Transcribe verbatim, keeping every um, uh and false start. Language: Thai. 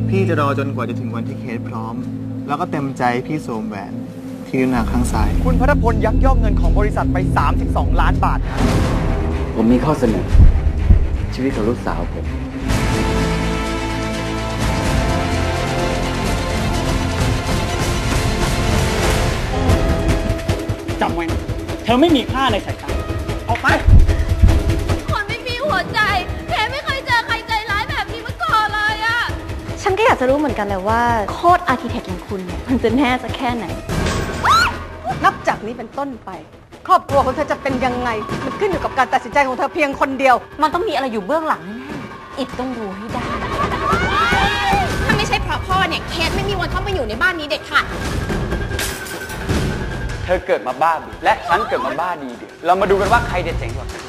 พี่จะรอจนกว่าจะถึงวันที่เคสพร้อมแล้วก็เต็มใจพี่สวมแหวนที่นิ้วนางข้างซ้ายคุณพัทพลยักยอกเงินของบริษัทไปสามสิบสองล้านบาทผมมีข้อเสนอชีวิตของลูกสาวผมจำไว้นะเธอไม่มีค่าในสายตาออกไปคนไม่มีหัวใจแค่ไม่เคยเจอใครใจร้ายแบบนี้มาก่อนเลยอะฉันก็อยากจะรู้เหมือนกันเลยว่าโคตรอาร์คิเทคอย่างคุณเนี่ยมันจะแน่จะแค่ไหนนับจากนี้เป็นต้นไปครอบครัวของเธอจะเป็นยังไงมันขึ้นอยู่กับการตัดสินใจของเธอเพียงคนเดียวมันต้องมีอะไรอยู่เบื้องหลังแน่ๆอิดต้องรู้ให้ได้ถ้าไม่ใช่เพราะพ่อเนี่ยเคสไม่มีวันเข้ามาอยู่ในบ้านนี้เด็กค่ะเธอเกิดมาบ้าบิและฉันเกิดมาบ้าดีเดียวเรามาดูกันว่าใครจะเจ๋งกว่ากัน